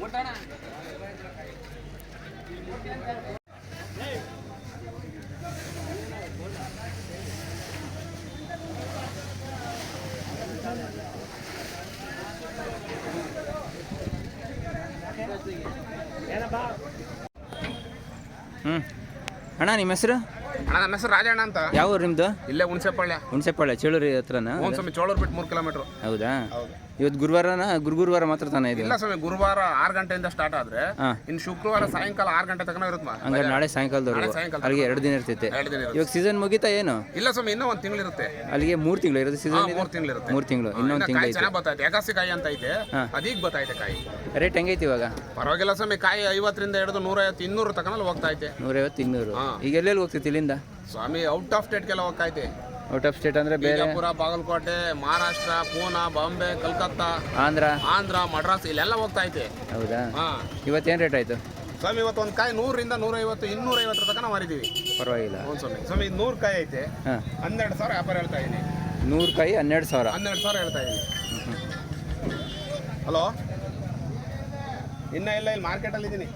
ಅಣ್ಣ ನಿಮ್ಮ ಹೆಸರು? ಅಣ್ಣ ನನ್ನ ಹೆಸರು ರಾಜಣ್ಣ ಅಂತ. ಯಾವ ಊರು ನಿಮ್ಮದು? ಇಲ್ಲೇ ಹುಣಸೆಪಾಳ್ಯ ಚೇಳೂರು ಹತ್ರನಾ? ಸ್ವಾಮಿ ಚೋಳೂರು ಬಿಟ್ಟು 3 ಕಿಲೋಮೀಟರ್. ಹೌದಾ? ಇವತ್ತು ಗುರುವಾರನ? ಗುರುವಾರ ಮಾತ್ರ ತಾನೇ ಇದೆ? ಇಲ್ಲ ಸ್ವಾಮಿ, ಗುರುವಾರ 6 ಗಂಟೆಯಿಂದ ಸ್ಟಾರ್ಟ್ ಆದ್ರೆ ಇನ್ನು ಶುಕ್ರವಾರ ಸಾಯಂಕಾಲ 6 ಗಂಟೆ ತನಕ ಇರುತ್ತೆ. ಹಂಗಾರೆ ನಾಳೆ ಸಾಯಂಕಾಲದವರೆಗೂ ಅಲ್ಲಿಗೆ 2 ದಿನ ಇರ್ತೈತೆ. ಇವಾಗ ಸೀಸನ್ ಮುಗಿತಾ ಏನು? ಇಲ್ಲ ಸ್ವಾಮಿ, ಇನ್ನೂ 1 ತಿಂಗಳು ಇರುತ್ತೆ. ಅಲ್ಲಿಗೆ 3 ತಿಂಗಳು ಇರುತ್ತೆ ಸೀಸನ್? 3 ತಿಂಗಳು ಇರುತ್ತೆ. 3 ತಿಂಗಳು ಇನ್ನೊಂದು ತಿಂಗಳು ಐತೆ. ಚೆನ್ನಾಗಿ ಬರ್ತೈತೆ. ಏಕಾಸಿ ಕಾಯಿ ಅಂತ ಐತೆ, ಅದೀಗ ಬರ್ತೈತೆ ಕಾಯಿ. ರೇಟ್ ಹೆಂಗೈತಿ ಇವಾಗ? ಪರವಾಗಿಲ್ಲ ಸ್ವಾಮಿ, ಕಾಯಿ 50ರಿಂದ ಹಿಡಿದು 150, 200 ತನಕ ಹೋಗ್ತಾ ಐತೆ. 150, 200. ಈಗ ಎಲ್ಲೆಲ್ಲಿ ಹೋಗ್ತೈತಿ ಇಲ್ಲಿಂದ? ಸ್ವಾಮಿ ಔಟ್ ಆಫ್ ಸ್ಟೇಟ್ಗೆಲ್ಲ ಹೋಗ್ತಾ ಐತೆ. ಔಟ್ ಆಫ್ ಸ್ಟೇಟ್ ಅಂದ್ರೆ ಬೇರೆ? ಬಿಜಾಪುರ, ಬಾಗಲಕೋಟೆ, ಮಹಾರಾಷ್ಟ್ರ, ಪೂನಾ, ಬಾಂಬೆ, ಕಲ್ಕತ್ತಾ, ಆಂಧ್ರ, ಮಡ್ರಾಸ್ ಇಲ್ಲೆಲ್ಲ ಹೋಗ್ತಾ ಐತೆ. ಹೌದಾ? ಇವತ್ತೇನು ರೇಟ್ ಆಯ್ತು ಸ್ವಾಮಿ? ಇವತ್ತು ಒಂದು ಕಾಯಿ 100ರಿಂದ 150, 250 ತನಕ ಮಾರಿದೀವಿ. ಪರವಾಗಿಲ್ಲ. ಸ್ವಾಮಿ 100 ಕಾಯಿ ಐತೆ, 12,000 ವ್ಯಾಪಾರ ಹೇಳ್ತಾ ಇದೀನಿ. 100 ಕಾಯಿ 12,000? 12,000 ಹೇಳ್ತಾ ಇದೀನಿ. ಹಲೋ, ಇಲ್ಲ ಮಾರ್ಕೆಟಲ್ಲಿ ಇದ್ದೀನಿ.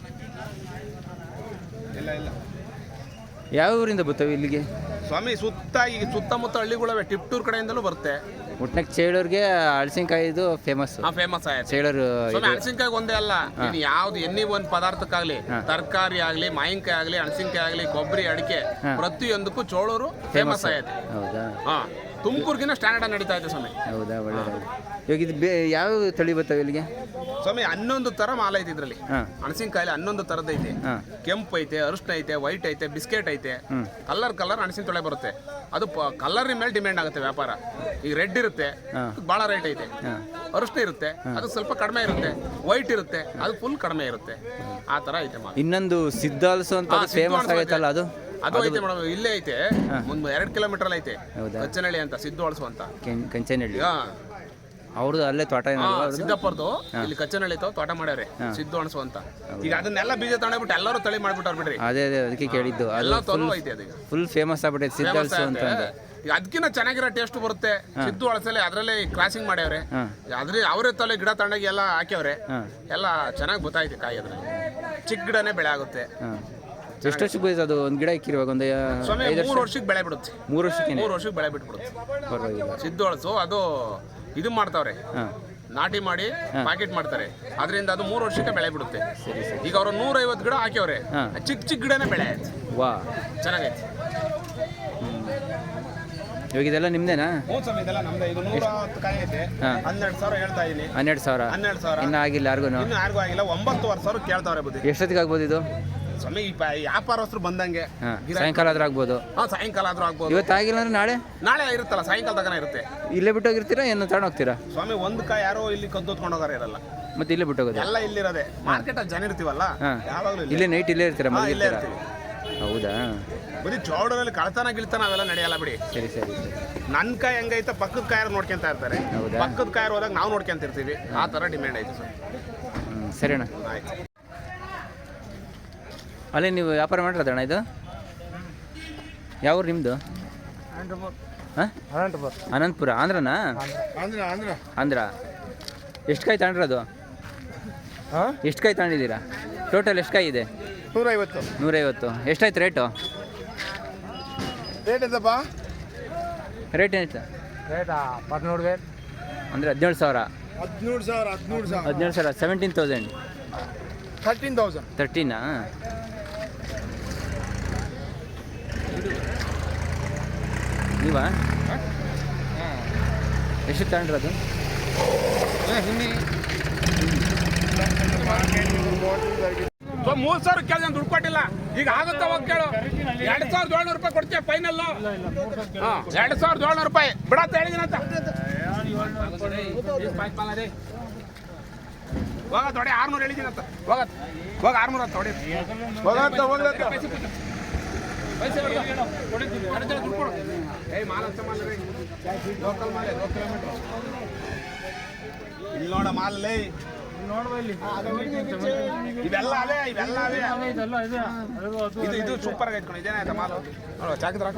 ಇಲ್ಲ ಯಾವ ಊರಿಂದ ಬರ್ತವೆ ಇಲ್ಲಿಗೆ? ಸ್ವಾಮಿ ಸುತ್ತಮುತ್ತ ಹಳ್ಳಿಗಳವೆ, ಟಿಪ್ಟೂರ್ ಕಡೆಯಿಂದಲೂ ಬರುತ್ತೆ. ಒಟ್ಟಿನಾಗ ಚೇಳೂರಿಗೆ ಹಳಸಿನಕಾಯಿದು ಫೇಮಸ್ ಆಯ್ತು ಚೇಳೂರು. ಹಳಸಿನಕಾಯಿ ಒಂದೇ ಅಲ್ಲ, ಯಾವ್ದು ಎಣ್ಣೆ ಒಂದು ಪದಾರ್ಥಕ್ಕಾಗ್ಲಿ, ತರಕಾರಿ ಆಗ್ಲಿ, ಮಾವಿನಕಾಯಿ ಆಗ್ಲಿ, ಹಳಸಿನಕಾಯಿ ಆಗ್ಲಿ, ಕೊಬ್ಬರಿ, ಅಡಿಕೆ, ಪ್ರತಿಯೊಂದಕ್ಕೂ ಚೋಳೂರು ಫೇಮಸ್ ಆಯ್ತು. ಹೌದಾ? ತುಮಕೂರ್ಗಿನ ಸ್ಟ್ಯಾಂಡರ್ಡ್ ನಡೀತಾ ಇದೆ ಸ್ವಾಮಿ. ಹೌದಾ? ಒಳ್ಳೆಯದು. ಇವಾಗ ಇದು ಯಾವ ತಳಿ ಬರ್ತವೆ ಇಲ್ಲಿಗೆ? ಸ್ವಾಮಿ 11 ಥರ ಮಾಲ್ ಐತೆ ಇದ್ರಲ್ಲಿ. ಹಣಸಿನಕಾಯಿಲಿ 11 ಥರದ್ದು ಐತೆ. ಕೆಂಪು ಐತೆ, ಅರಿಶಿನ ಐತೆ, ವೈಟ್ ಐತೆ, ಬಿಸ್ಕೆಟ್ ಐತೆ. ಕಲರ್ ಹಣಸಿನ ತೊಳೆ ಬರುತ್ತೆ. ಅದು ಕಲರ್ ಮೇಲೆ ಡಿಮ್ಯಾಂಡ್ ಆಗುತ್ತೆ ವ್ಯಾಪಾರ. ಈಗ ರೆಡ್ ಇರುತ್ತೆ, ಭಾಳ ರೇಟ್ ಐತೆ. ಅರಿಶಿನ ಇರುತ್ತೆ, ಅದು ಸ್ವಲ್ಪ ಕಡಿಮೆ ಇರುತ್ತೆ. ವೈಟ್ ಇರುತ್ತೆ, ಅದು ಫುಲ್ ಕಡಿಮೆ ಇರುತ್ತೆ. ಆ ಥರ ಐತೆ ಮಾಲ್. ಇನ್ನೊಂದು ಸಿದ್ದಾಲ್ಸು ಅಂತ ಫೇಮಸ್ ಆಗೈತಲ್ಲ, ಅದು ಐತೆ ಮೇಡಮ್. ಇಲ್ಲೇ ಐತೆ, ಒಂದು 2 ಕಿಲೋಮೀಟರ್ ಐತೆ. ಕಚ್ಚನಹಳ್ಳಿ ಅಂತ, ಸಿದ್ದು ಅಳಸು ಅಂತ. ಕಂಚನಹಳ್ಳಿ ಅವ್ರದ್ದು ಅಲ್ಲೇ ತೋಟ? ಸಿದ್ದಪ್ಪರ್ದು ಇಲ್ಲಿ ಕಚ್ಚನಹಳ್ಳಿ ತೋಟ ಮಾಡ್ಯಾರೆ, ಸಿದ್ದು ಅಣಸು ಅಂತ. ಈಗ ಅದನ್ನೆಲ್ಲ ಬೀಜ ತಗೊಂಡ್ಬಿಟ್ಟು ಎಲ್ಲರೂ ತಳಿ ಮಾಡ್ಬಿಟ್ಟಾರ ಬಿಡ್ರಿ. ಅದೇ ಅದಕ್ಕೆ ಕೇಳಿದ್ದು. ಎಲ್ಲ ತೊಲೂ ಐತೆ ಅದೀಗ, ಫುಲ್ ಫೇಮಸ್ ಆಗ್ಬಿಟ್ಟೈತೆ ಸಿದ್ದಲ್ಸು ಅಂತ. ಈಗ ಅದಕ್ಕಿಂತ ಚೆನ್ನಾಗಿರೋ ಟೇಸ್ಟ್ ಬರುತ್ತೆ. ಸಿದ್ದು ಅಳಸಲೆ ಅದರಲ್ಲೇ ಕ್ರಾಸಿಂಗ್ ಮಾಡ್ಯಾವ್ರೆ. ಅವರೇ ತಲೆ ಗಿಡ ತಗೊಂಡಾಗಿ ಎಲ್ಲ ಹಾಕ್ಯವ್ರೆ. ಎಲ್ಲ ಚೆನ್ನಾಗಿ ಗೊತ್ತಾಯ್ತು ಕಾಯಿ. ಅದ್ರಲ್ಲಿ ಚಿಕ್ಕ ಗಿಡನೇ ಬೆಳೆ ಆಗುತ್ತೆ. ಎಷ್ಟು ವರ್ಷಕ್ಕೆ ಬೀಜ ಅದು ಒಂದು ಗಿಡ ಇಕ್ಕಿರುವಾಗ? ಒಂದು 3 ವರ್ಷಕ್ಕೆ ಬೆಳೆ ಬಿಡುತ್ತೆ. 3 ವರ್ಷಕ್ಕೆ ಬೆಳೆ ಬಿಟ್ಬಿಡುತ್ತೆ. ಪರವಾಗಿಲ್ಲ. ಸಿದ್ದು ಅಳಸು ಅದು ಇದು ಮಾಡ್ತಾವ್ರೆ, ನಾಟಿ ಮಾಡಿ ಪ್ಯಾಕೆಟ್ ಮಾಡ್ತಾರೆ. ಅದರಿಂದ ಅದು 3 ವರ್ಷಕ್ಕೆ ಬೆಳೆ ಬಿಡುತ್ತೆ. ಈಗ ಅವರು 150 ಗಿಡ ಹಾಕ್ಯವ್ರೆ, ಚಿಕ್ಕ ಗಿಡನೇ ಬೆಳೆ ಆಯ್ತು. ವಾ, ಚೆನ್ನಾಗೈತೆ. ಇವಾಗ ಇದೆಲ್ಲ ನಿಮ್ದೇನಾ? ಇದೆಲ್ಲ ನಮ್ದೇ. ಇದು 110 ಕಾಯಿ ಐತೆ. 12,000 ಹೇಳ್ತಾ ಇದೀನಿ. 12,000 ಇನ್ನೂ ಆಗಿಲ್ಲ ಯಾರಿಗೂ? ಯಾರಿಗೂ ಆಗಿಲ್ಲ. 9,000 ಕೇಳ್ತಾವ್ರೆ ಬುದ್ಧಿ. ಎಷ್ಟೊತ್ತಿಗೆ ಆಗ್ಬೋದು ಇದು? ಸ್ವಾಮಿ ವ್ಯಾಪಾರಸ್ಥರು ಬಂದಂಗೆ ಸಾಯಂಕಾಲ ಆದ್ರೂ ಆಗ್ಬೋದು. ಸಾಯಂಕಾಲ ಆದ್ರೂ ಆಗ್ಬೋದು. ಇವತ್ತು ಆಗಿಲ್ಲ ಅಂದ್ರೆ ನಾಳೆ ಇರುತ್ತಲ್ಲ, ಸಾಯಂಕಾಲ ತನಕ ಇರುತ್ತೆ. ಇಲ್ಲೇ ಬಿಟ್ಟು ಹೋಗಿರ್ತೀರಾ ಏನು ತಗೊಂಡು ಹೋಗ್ತೀರಾ? ಸ್ವಾಮಿ ಒಂದು ಕಾಯಿ ಯಾರೋ ಇಲ್ಲಿ ಕದ್ದು ಹೊತ್ಕೊಂಡು ಹೋಗಾರ ಇರಲ್ಲ, ಮತ್ತೆ ಇಲ್ಲೇ ಬಿಟ್ಟು ಹೋಗೋದು? ಎಲ್ಲ ಇಲ್ಲಿರೋದೆ. ಮಾರ್ಕೆಟ್ ಅಲ್ಲಿ ಜನ ಇರ್ತೀವಲ್ಲ, ಯಾವಾಗಲೂ ಇಲ್ಲೇ ನೈಟ್ ಇಲ್ಲೇ ಇರ್ತೀರಾ? ಇಲ್ಲೇ ಇರ್ತೀವಿ. ಹೌದಾ? ಬರೀ ಚೌಡರಲ್ಲಿ ಕಳ್ತನ ಗಿಳ್ತನ ಅವೆಲ್ಲ ನಡೆಯಲ್ಲ ಬಿಡಿ. ಸರಿ. ನನ್ನ ಕಾಯಿ ಹೆಂಗೈತೆ ಪಕ್ಕದ ಕಾಯರು ನೋಡ್ಕೊಂತ ಇರ್ತಾರೆ. ಪಕ್ಕದ ಕಾಯರು ಹೋದಾಗ ನಾವು ನೋಡ್ಕೊಂತ ಇರ್ತೀವಿ. ಆ ಥರ ಡಿಮ್ಯಾಂಡ್ ಐತೆ ಸರ್. ಸರಿ ಅಣ್ಣ, ಆಯ್ತು. ಅಲ್ಲೇ ನೀವು ವ್ಯಾಪಾರ ಮಾಡಿರೋದಣ್ಣ ಇದು? ಯಾವ ಊರು ನಿಮ್ಮದು? ಅನಂತಪುರ. ಆಂಧ್ರನಾ? ಆಂಧ್ರ. ಎಷ್ಟು ಕಾಯಿ ತಗೊಂಡ್ರದು? ಎಷ್ಟು ಕಾಯಿ ತಗೊಂಡಿದ್ದೀರಾ? ಟೋಟಲ್ ಎಷ್ಟು ಕಾಯಿ ಇದೆ? 150. ಎಷ್ಟಾಯ್ತು ರೇಟು? ರೇಟ್ ಏನಾಯ್ತು? ರೇಟ್ 13,000 ಅಂದರೆ 17,000. 17,000. 13,000. ನೀವಾ? ಎಷ್ಟು ತಗೊಂಡ್ರದು? 3,000 ಕೇಳಿದ ದುಡ್ಡು ಕೊಟ್ಟಿಲ್ಲ. ಈಗ ಆಗುತ್ತಾ ಹೋಗಿ ಕೇಳು. 2,700 ರೂಪಾಯಿ ಕೊಡ್ತೀಯ ಫೈನಲ್. 2,700 ರೂಪಾಯಿ ಬಿಡತ್ತ ಹೇಳಿದಿನಂತ. ಹೋಗ ತೊಡೆ 600 ಹೇಳಿದಿನಂತ. ಹೋಗ 600 ಅಂತ ತೊಡೆ. ಇಲ್ಲಿ ನೋಡ ಮಾಲಲ್ಲಿ ಇವೆಲ್ಲ ಅವೇ. ಇದು ಸೂಪರ್ ಆಗೈತೆ ಕಣ. ಇದೇನೇ ಆಯ್ತಾ ಮಾಲು ನೋಡುವ ಚಾಕಿದ್ರಾಕ.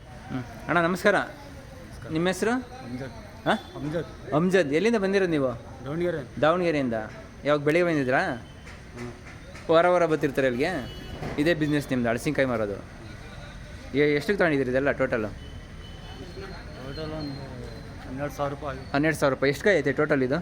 ಅಣ್ಣ ನಮಸ್ಕಾರ. ನಿಮ್ಮ ಹೆಸರು? ಅಮ್ಜದ್. ಎಲ್ಲಿಂದ ಬಂದಿರೋದು ನೀವು? ದಾವಣಗೆರೆ. ದಾವಣಗೆರೆಯಿಂದ ಯಾವಾಗ ಬೆಳಿಗ್ಗೆ ಬಂದಿದ್ರಾ? ವಾರ ಬರ್ತಿರ್ತಾರೆ ಇಲ್ಲಿಗೆ? ಇದೇ ಬಿಸ್ನೆಸ್ ನಿಮ್ಮದು, ಹಳಸಿನಕಾಯಿ ಮಾರೋದು? ಎಷ್ಟಕ್ಕೆ ತೊಗೊಂಡಿದ್ದೀರಿ ಇದೆಲ್ಲ ಟೋಟಲು? ಟೋಟಲ್ ಒಂದು 12,000 ರೂಪಾಯಿ. 12,000 ರೂಪಾಯಿ. ಎಷ್ಟು ಕಾಯಿ ಐತೆ ಟೋಟಲ್ ಇದು?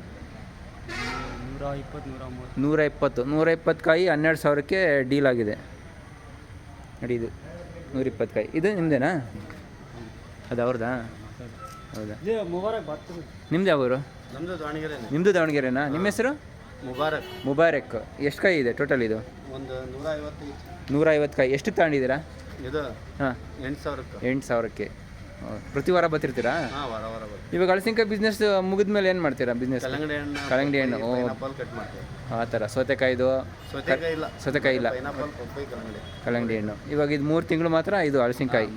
120 ಕಾಯಿ 12,000ಕ್ಕೆ ಡೀಲ್ ಆಗಿದೆ ನೋಡಿ. ಇದು 120 ಕಾಯಿ. ಇದು ನಿಮ್ಮದೇನಾ? ಅದು ಅವ್ರದ್ದಾ? ಹೌದಾ? ನಿಮ್ದು ಯಾವ ಊರು? ನಮ್ಮದು ದಾವಣಗೆರೆ. ನಿಮ್ಮದು ದಾವಣಗೆರೆನಾ? ನಿಮ್ಮ ಹೆಸರು? ಮುಬಾರಕ್. ಎಷ್ಟು ಕಾಯಿ ಇದೆ ಟೋಟಲ್ ಇದು? ಒಂದು 150 ಕಾಯಿ. ಎಷ್ಟು ತಗೊಂಡಿದ್ದೀರಾ ಇದು? ಹಾಂ, 8,000ಕ್ಕೆ. ಪ್ರತಿ ವಾರ ಬರ್ತಿರ್ತೀರಾ? ಇವಾಗ ಹಳಸಿನಕಾಯಿ ಬಿಸ್ನೆಸ್ ಮುಗಿದ್ಮೇಲೆ ಏನು ಮಾಡ್ತೀರಾ ಬಿಸ್ನೆಸ್? ಕಲ್ಲಂಗಡಿ ಹಣ್ಣು. ಆ ಥರ. ಸೌತೆಕಾಯಿದು? ಸೌತೆಕಾಯಿ ಇಲ್ಲ, ಕಲ್ಲಂಗಡಿ ಹಣ್ಣು. ಇವಾಗ ಇದು 3 ತಿಂಗಳು ಮಾತ್ರ ಇದು ಹಳಸಿನಕಾಯಿ.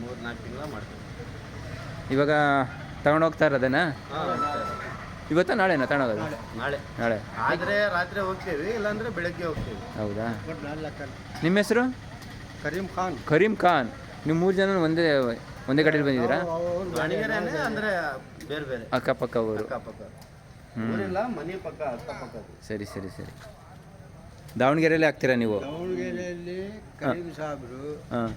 ಇವಾಗ ತಗೊಂಡೋಗ್ತಾ ಇರೋದೇನಾ? ಇವತ್ತ ನಾಳೆನಾ ತಗೊಂಡೋಗೋದು? ನಾಳೆ. ಆದರೆ ರಾತ್ರಿ ಹೋಗ್ತೀವಿ, ಇಲ್ಲಾಂದ್ರೆ ಬೆಳಗ್ಗೆ ಹೋಗ್ತೀವಿ. ಹೌದಾ? ನಿಮ್ಮ ಹೆಸರು? ಕರೀಂ ಖಾನ್. ನೀವು 3 ಜನ ಒಂದೇ ಕಡೆಯಲ್ಲಿ ಬಂದಿದ್ದೀರಾ? ಅಂದರೆ ಬೇರೆ ಬೇರೆ ಅಕ್ಕಪಕ್ಕ ಊರು? ಊರಿಲ್ಲ, ಮನೆ ಪಕ್ಕ ಅಕ್ಕಪಕ್ಕ. ಸರಿ. ದಾವಣಗೆರೆಯಲ್ಲಿ ಹಾಕ್ತೀರಾ ನೀವು? ದಾವಣಗೆರೆಯಲ್ಲಿ ಕರೀಂ ಸಾಬ್ರು. ಹಾಂ.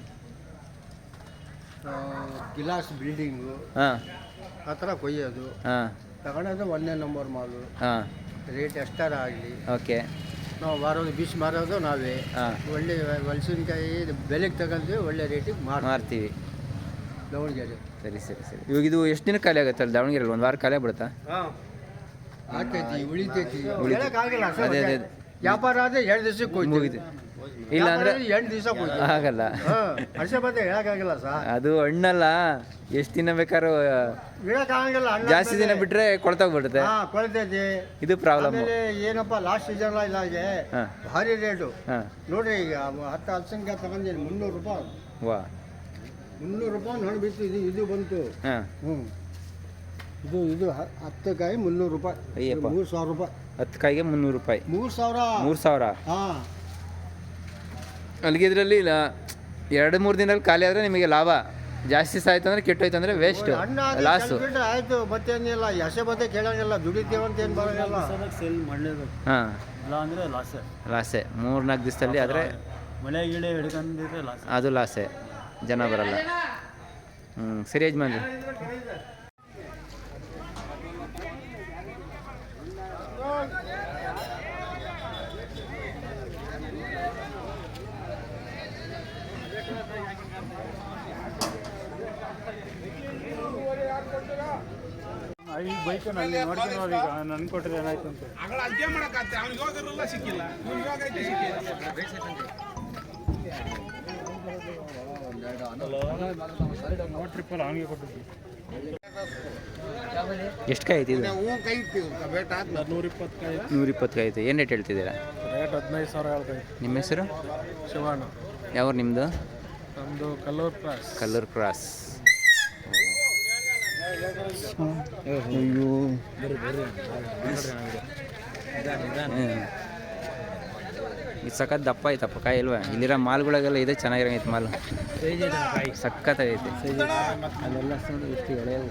ಗಿಲಾಸ್ ಬಿಲ್ಡಿಂಗು ಹಾಂ, ಆ ಥರ ಕೊಯ್ಯೋದು. ಹಾಂ. ತಗೊಳೋದು 1ನೇ ನಂಬರ್ ಮಾಲು. ಹಾಂ. ರೇಟ್ ಎಷ್ಟಾರ ಆಗಲಿ, ಓಕೆ. ನಾವು ಮಾರೋದು ಬೀಸ್ ಮಾರೋದು ನಾವೇ. ಹಾಂ. ಒಳ್ಳೆ ಹಲಸಿನಕಾಯಿ ಬೆಲೆಗೆ ತಗೊಂಡ್ವಿ, ಒಳ್ಳೆ ರೇಟಿಗೆ ಮಾರ್ತೀವಿ ದಾವಣಗೆರೆ. ಸರಿ. ಇವಾಗ ಇದು ಎಷ್ಟು ದಿನ ಖಾಲಿ ಆಗುತ್ತಲ್ಲ ದಾವಣಗೆರೆಯಲ್ಲಿ? 1 ವಾರ ಖಾಲಿ ಆಗ್ಬಿಡುತ್ತಾ? ಆಗ್ತೈತಿ, ಉಳಿತೈತಿ. ಅದೇ ವ್ಯಾಪಾರ ಆದರೆ 2 ದಿವಸಕ್ಕೆ ಮುಗಿದು. ಇಲ್ಲ ಅಂದರೆ 8 ದಿವಸ ಆಗಲ್ಲ. ಹರ್ಷ ಬಂದೆ ಹೇಳಕ್ಕಾಗಿಲ್ಲ ಸರ್. ಅದು ಹಣ್ಣಲ್ಲ, ಎಷ್ಟು ದಿನ ಬೇಕಾದ್ರೂ ಹೇಳಕ್ಕಾಗಲ್ಲ. ಜಾಸ್ತಿ ದಿನ ಬಿಟ್ಟರೆ ಕೊಳ್ತೋಗ್ಬಿಡುತ್ತೆ. ಕೊಳ್ತೈತಿ. ಇದು ಪ್ರಾಬ್ಲಮ್. ಏನಪ್ಪ ಲಾಸ್ಟ್ ಸೀಸನ್ ಇಲ್ಲಾಗೆ ಭಾರಿ ರೇಟು. ಹಾಂ. ನೋಡ್ರಿ, ಈಗ 10 ಹಲಸಿನಕಾಯಿ ತಗೊಂಡಿನಿ 300 ರೂಪಾಯಿ. ವಾ, 300 ರೂಪಾಯಿ ಹಣ್ಣು ಬಿತ್ತು. ಇದು ಬಂತು. ಹಾಂ. ಇದು 10 ಕಾಯಿ 300 ರೂಪಾಯಿ. ಅಯ್ಯಪ್ಪ. 3,000 ರೂಪಾಯಿ. 10 ಕಾಯಿಗೆ 300 ರೂಪಾಯಿ. 3,000. ಹಾಂ. ಅಲ್ಲಿಗೆ ಇದರಲ್ಲಿ 2-3 ದಿನದಲ್ಲಿ ಖಾಲಿ ಆದರೆ ನಿಮಗೆ ಲಾಭ. ಜಾಸ್ತಿ ಸಾಯ್ತು ಅಂದರೆ ಕೆಟ್ಟೋಯ್ತು ಅಂದರೆ ವೇಸ್ಟ್, ಲಾಸು. ಆಯ್ತು, ಮತ್ತೇನಿಲ್ಲ. ಎಸೆ ಬತ್ತೆ ಕೇಳಂಗಿಲ್ಲ, ದುಡಿತೀವಂತ ಏನು ಬರೋಂಗಿಲ್ಲ. ಸೇಲ್ ಮಾಡಲೇಬೇಕು. ಹಾಂ, ಇಲ್ಲ ಅಂದರೆ ಲಾಸೆ. 3-4 ದಿವಸದಲ್ಲಿ ಆದರೆ ಮಳೆ ಗಿಳೆ ಹಿಡ್ಕೊಂಡಿದ್ರೆ ಲಾಸ್. ಅದು ಲಾಸೆ, ಜನ ಬರಲ್ಲ. ಸರಿ ಯಜಮಾನ್ರಿ. ಈ ಬೈಕಲ್ಲಿ ನೋಡ್ಕೊಂಡು ಈಗ ನನ್ ಕೊಟ್ಟರೆ ಏನಾಯ್ತು ಅಂತ ಸಿಕ್ಕಿಲ್ಲ. ಟ್ರಿಪ್ಪಲ್ಲಿ ಅವನಿಗೆ ಕೊಟ್ಟಿದ್ವಿ. ಎಷ್ಟು ಕಾಯಿ ಐತಿ ಇದು? 120 ಕಾಯಿ. 120 ಕಾಯಿ ಐತೆ. ಏನು ರೇಟ್ ಹೇಳ್ತಿದ್ದೀರಾ? ರೇಟ್ 15,000 ಹೇಳ್ತೈತೆ. ನಿಮ್ಮ ಹೆಸರು? ಶಿವಣ್ಣ. ಯಾವ ನಿಮ್ಮದು? ನಮ್ಮದು ಕಲ್ಲೂರು ಕ್ರಾಸ್. ಅಯ್ಯೋ, ಇದು ಸಖತ್ ದಪ್ಪ ಐತಪ್ಪ ಕಾಯಿ ಇಲ್ವಾ? ಇಲ್ಲಿರೋ ಮಾಲ್ಗಳಿಗೆಲ್ಲ ಇದೆ ಚೆನ್ನಾಗಿರಂಗೈತೆ ಮಾಲ್. ಸಖತ್ತಾಗೈತೆ. ಅಲ್ಲೆಲ್ಲ ಎಷ್ಟು ಎಳೆಯವು.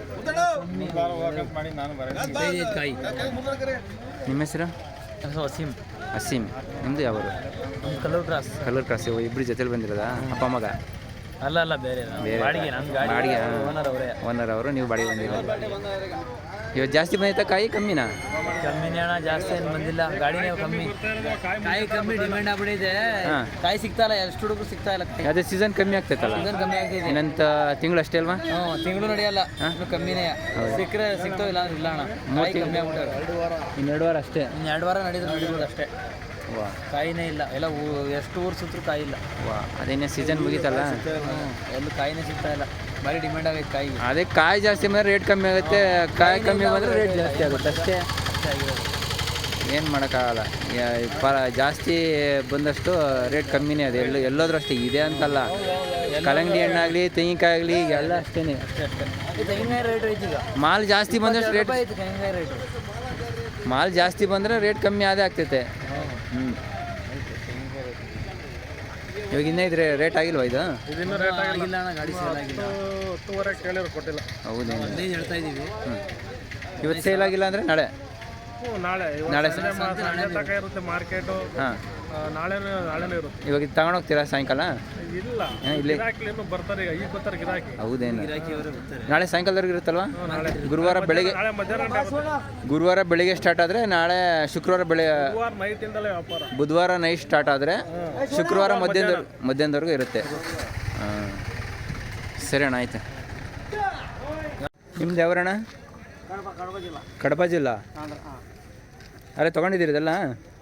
ನಿಮ್ಮ ಹೆಸರು? ಅಸೀಮ್. ನಿಮ್ಮದು ಯಾವರು? ಕಲ್ಲೂರು ಕ್ರಾಸ್. ಇಬ್ಬರು ಜೊತೆಲಿ ಬಂದಿರೋದಾ? ಅಪ್ಪ ಮಗ? ಅಲ್ಲ, ಬೇರೆ ಬಾಡಿಗೆ. ಓನರ್ ಅವರು, ನೀವು ಬಾಡಿಗೆ ಬಂದಿರೋದು. ಇವತ್ತು ಜಾಸ್ತಿ ಬಂದೈತಾ ಕಾಯಿ ಕಮ್ಮಿನಾ? ಕಮ್ಮಿನೇ ಅಣ್ಣ, ಜಾಸ್ತಿ ಏನು ಬಂದಿಲ್ಲ. ಗಾಡಿನೇ ಕಮ್ಮಿ, ಕಾಯಿ ಕಮ್ಮಿ ಡಿಮ್ಯಾಂಡ್ ಆಗ್ಬಿಟ್ಟಿದೆ. ಕಾಯಿ ಸಿಗ್ತಾ ಇಲ್ಲ, ಎಷ್ಟು ಹುಡುಗರು ಸಿಗ್ತಾ ಇಲ್ಲ. ಅದೇ ಸೀಸನ್ ಕಮ್ಮಿ ಆಗ್ತೈತಲ್ಲ? ಸೀಸನ್ ಕಮ್ಮಿ ಆಗ್ತಿದೆ. ಇನ್ನಂತ ತಿಂಗಳು ಅಷ್ಟೇ ಅಲ್ವಾ? ತಿಂಗಳು ನಡೆಯಲ್ಲ, ಇನ್ನು ಕಮ್ಮಿನೇ. ಸಿಕ್ಕರೆ ಸಿಗ್ತಾವ, ಇಲ್ಲ ಅಂದ್ರೆ ಇಲ್ಲ ಅಣ್ಣ. ಕಾಯಿ ಕಮ್ಮಿ ಆಗ್ಬಿಟ್ಟೆ. 2 ವಾರ ಅಷ್ಟೇ. 2 ವಾರ ನಡೀಬೋದು ಅಷ್ಟೇ. ಕಾಯಿನೇ ಇಲ್ಲ, ಎಲ್ಲ ಎಷ್ಟು ಊರು ಸುತ್ತರೂ ಕಾಯಿ ಇಲ್ಲ. ಅದೇನೇ ಸೀಸನ್ ಮುಗೀತಲ್ಲ, ಎಲ್ಲೂ ಕಾಯಿನೇ ಸಿಗ್ತಾ ಇಲ್ಲ. ಭಾರಿ ಡಿಮ್ಯಾಂಡ್ ಆಗೈತೆ ಕಾಯಿ. ಅದೇ ಕಾಯಿ ಜಾಸ್ತಿ ಬಂದರೆ ರೇಟ್ ಕಮ್ಮಿ ಆಗುತ್ತೆ, ಕಾಯಿ ಕಮ್ಮಿ ಬಂದರೆ ರೇಟ್ ಜಾಸ್ತಿ ಆಗುತ್ತೆ ಅಷ್ಟೇ. ಆಗಿರೋದು ಏನು ಮಾಡೋಕ್ಕಾಗಲ್ಲ. ಜಾಸ್ತಿ ಬಂದಷ್ಟು ರೇಟ್ ಕಮ್ಮಿನೇ. ಅದು ಎಲ್ಲೋದ್ರೂ ಅಷ್ಟೇ ಇದೆ ಅಂತಲ್ಲ. ಕಲ್ಲಂಗಡಿ ಹಣ್ಣಾಗಲಿ, ತೆಂಗಿನಕಾಯಿ ಆಗಲಿ, ಎಲ್ಲ ಅಷ್ಟೇ. ತೆಂಗಿನಕಾಯಿ ರೇಟ್ ಐತಿ ಈಗ. ಮಾಲ್ ಜಾಸ್ತಿ ಬಂದಷ್ಟು ರೇಟ್ ಐತಿ ತೆಂಗಿನಕಾಯಿ ರೇಟು. ಮಾಲ್ ಜಾಸ್ತಿ ಬಂದರೆ ರೇಟ್ ಕಮ್ಮಿ ಆದೇ ಆಗ್ತೈತೆ. ಇವಾಗ ಇನ್ನೂ ಇದ್ರೆ ರೇಟ್ ಆಗಿಲ್ವಾ ಇದು? ಆಗಿಲ್ಲ ಅಣ್ಣ, ಗಾಡಿ ಸೇಲ್ ಆಗಿಲ್ಲ. 10,000 ಕೇಳಿದ್ರು ಕೊಟ್ಟಿಲ್ಲ. ಹೌದೇನು? 15 ಹೇಳ್ತಾ ಇದ್ದೀವಿ. ಇವತ್ತು ಸೇಲ್ ಆಗಿಲ್ಲ ಅಂದರೆ ನಾಳೆ ನಾಳೆ ನಾಳೆ ಸಂಜೆ ತನಕ ಇರುತ್ತೆ ಮಾರ್ಕೆಟು. ಹಾಂ, ನಾಳೆನೇ ಇರುತ್ತೆ. ಇವಾಗ ಇದು ತಗೊಂಡೋಗ್ತೀರಾ ಸಾಯಂಕಾಲ? ಇಲ್ಲ, ಇಲ್ಲಿ ಗಿರಾಕಿಲೇನು ಬರ್ತಾರೆ ಈಗ ಬರ್ತಾರೆ ಗಿರಾಕಿ. ಹೌದೇನು? ನಾಳೆ ಸಾಯಂಕಾಲದವರೆಗೆ ಇರುತ್ತಲ್ವಾ? ಗುರುವಾರ ಬೆಳಿಗ್ಗೆ, ನಾಳೆ ಮಧ್ಯಾಹ್ನ ಗಂಟೆ ಆಗುತ್ತೆ. ಗುರುವಾರ ಬೆಳಿಗ್ಗೆ ಸ್ಟಾರ್ಟ್ ಆದರೆ ನಾಳೆ ಶುಕ್ರವಾರ ಗುರುವಾರ ನೈಟಿಂದಲೇ ವ್ಯಾಪಾರ. ಬುಧವಾರ ನೈಟ್ ಸ್ಟಾರ್ಟ್ ಆದರೆ ಶುಕ್ರವಾರ ಮಧ್ಯಾಹ್ನದವರೆಗೂ ಇರುತ್ತೆ. ಹಾಂ, ಸರಿ ಅಣ್ಣ, ಆಯ್ತು. ನಿಮ್ದು ಯಾವರಣ್ಣ? ಕಡಪ ಜಿಲ್ಲಾ. ಅರೆ ತೊಗೊಂಡಿದ್ದೀರಿ ಇದೆಲ್ಲ?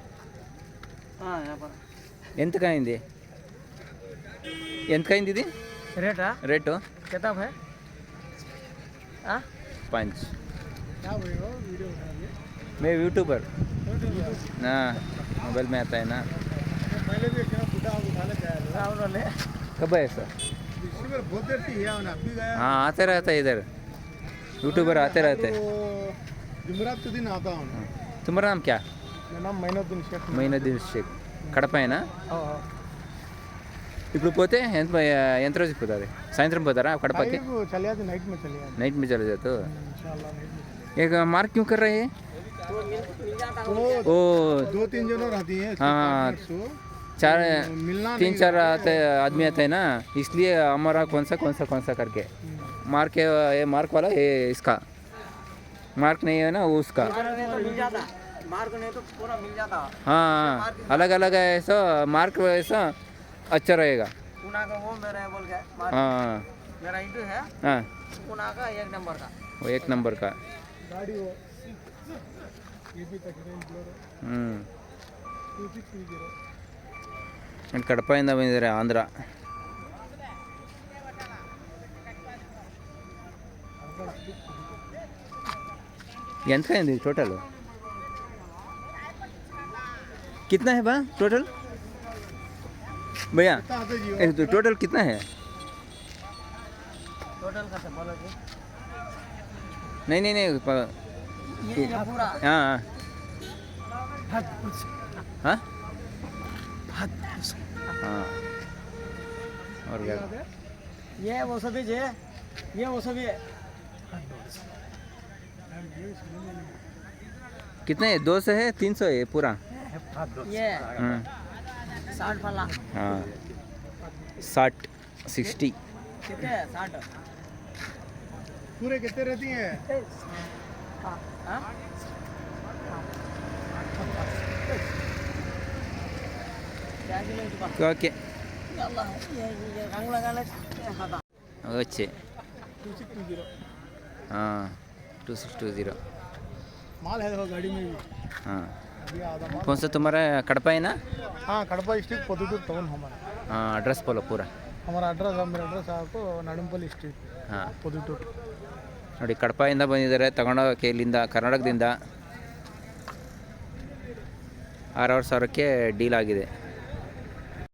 ಎಂತಕಾಯಿಂದಿ? ಎಂತಕಾಯಿಂದಿದೆ ರೇಟಾ? ರೇಟು? कितना है? 5. मैं यूट्यूबर ना, मोबाइल में आता है ना. कब है ऐसा? हाँ, आते रहता है इधर, यूट्यूबर आते रहते हैं. तुम्हारा नाम क्या? మైనుద్దీన్ షేక్. కడపైనా? ఇప్పుడు పోతే ఎంత రోజుకి పోతుంది? సాయంత్రం పోతారా కడపకి? नाइट में चले जाते हो? एक मार्क क्यों कर रहे हैं? ओ 2-3 जन रहती है। हाँ, 3-4 आदमी आते हैं ना, इसलिए हमारा कौन सा करके मार्क है, ये मार्क वाला ये इसका मार्क नहीं है ना, वो उसका. मार्क नहीं तो पूरा मिल जाता. हाँ, अलग अलग है ऐसा मार्क, ऐसा अच्छा रहेगा. पुना का वो मेरा है बोल के मार्क. हाँ मेरा इंटू है हाँ, पुना का 1 नंबर का. वो 1 नंबर का. ಕಡಪದಿಂದ ಬಂದಿದ್ದಾರೆ ಆಂಧ್ರ. ಎಂತ ಇದೆ ಟೋಟಲ್? कितना है बा टोटल भैया? तो टोटल कितना है? टोटल का से बोलो जी. नहीं ये पूरा. हाँ हाँ हाँ. और क्या? ये वो सभी जे, ये वो सभी है. कितने है? 200 है? 300 है पूरा? ये 60 फला. हाँ, 60 कितने 60 पूरे कितने रहती हैं? हाँ. क्या किलो इसका? ओके. अल्लाह ये रंग लगाना खाता. अच्छे. 2620. हाँ, 2620. माल है देखो गाड़ी में भी. हाँ, अभी आधा माल. कौन सा तुम्हारा? कड़पा है ना? हाँ, कड़पा स्ट्रीट पोदुटूर टाउन हमारा. हाँ, एड्रेस बोलो पूरा. हमारा एड्रेस मेरा एड्रेस आपको नडंपल्ली स्ट्रीट ಹಾಂ, पोदुटूर. ನೋಡಿ ಕಡಪದಿಂದ ಬಂದಿದ್ದಾರೆ ತಗೊಂಡೋಗಕ್ಕೆ. ಇಲ್ಲಿಂದ ಕರ್ನಾಟಕದಿಂದ 6,000 ಡೀಲ್ ಆಗಿದೆ.